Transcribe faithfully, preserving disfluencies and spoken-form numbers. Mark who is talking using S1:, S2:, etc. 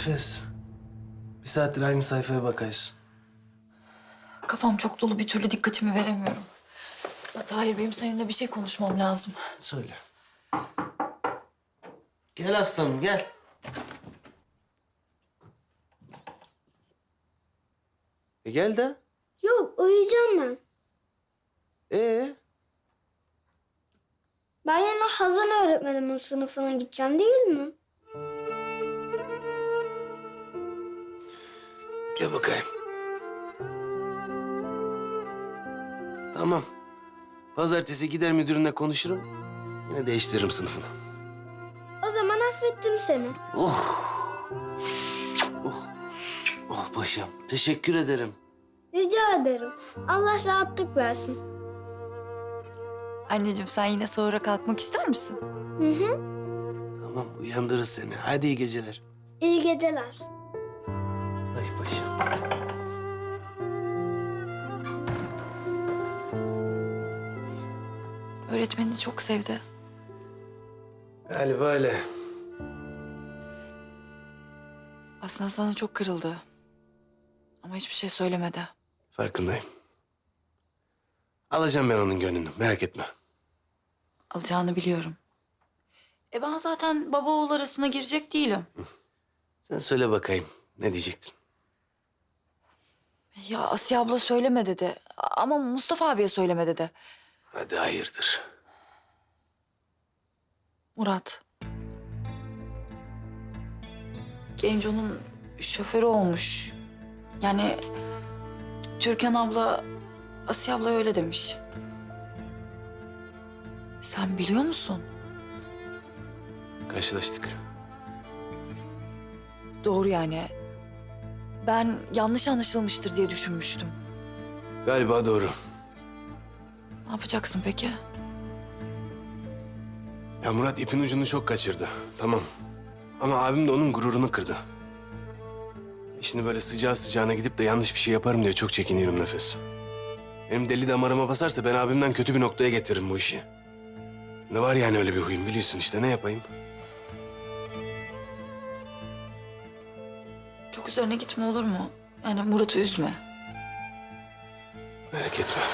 S1: Nefes. Bir saattir aynı sayfaya bakıyorsun.
S2: Kafam çok dolu, bir türlü dikkatimi veremiyorum. Ya Tahir, benim seninle bir şey konuşmam lazım.
S1: Söyle. Gel aslanım gel. E gel de.
S3: Yok, uyuyacağım ben.
S1: Ee?
S3: Ben yine Hazan öğretmenimin sınıfına gideceğim değil mi?
S1: Gel bakayım. Tamam. Pazartesi gider müdürünle konuşurum. Yine değiştiririm sınıfını.
S3: O zaman affettim seni.
S1: Oh. Oh. Oh paşam. Teşekkür ederim.
S3: Rica ederim. Allah rahatlık versin.
S2: Anneciğim, sen yine sonra kalkmak ister misin?
S3: Hı hı.
S1: Tamam uyandırırız seni. Hadi iyi geceler.
S3: İyi geceler.
S1: Ay paşam.
S2: Öğretmenini çok sevdi.
S1: Galiba öyle.
S2: Aslında sana çok kırıldı. Ama hiçbir şey söylemedi.
S1: Farkındayım. Alacağım ben onun gönlünü. Merak etme.
S2: Alacağını biliyorum. E ben zaten baba oğul arasına girecek değilim.
S1: Sen söyle bakayım. Ne diyecektin?
S2: Ya Asiye abla söyleme dedi. Ama Mustafa abiye söyleme dedi.
S1: Hadi hayırdır.
S2: Murat. Genco'nun şoförü olmuş. Yani Türkan abla, Asiye abla öyle demiş. Sen biliyor musun?
S1: Karşılaştık.
S2: Doğru yani. Ben yanlış anlaşılmıştır diye düşünmüştüm.
S1: Galiba doğru.
S2: Ne yapacaksın peki?
S1: Ya Murat ipin ucunu çok kaçırdı. Tamam. Ama abim de onun gururunu kırdı. Şimdi böyle sıcağı sıcağına gidip de yanlış bir şey yaparım diye çok çekiniyorum Nefes. Benim deli damarıma basarsa ben abimden kötü bir noktaya getiririm bu işi. Ne var yani öyle bir huyum biliyorsun işte ne yapayım?
S2: Çok üzerine gitme olur mu? Yani Murat'ı üzme.
S1: Merak etme.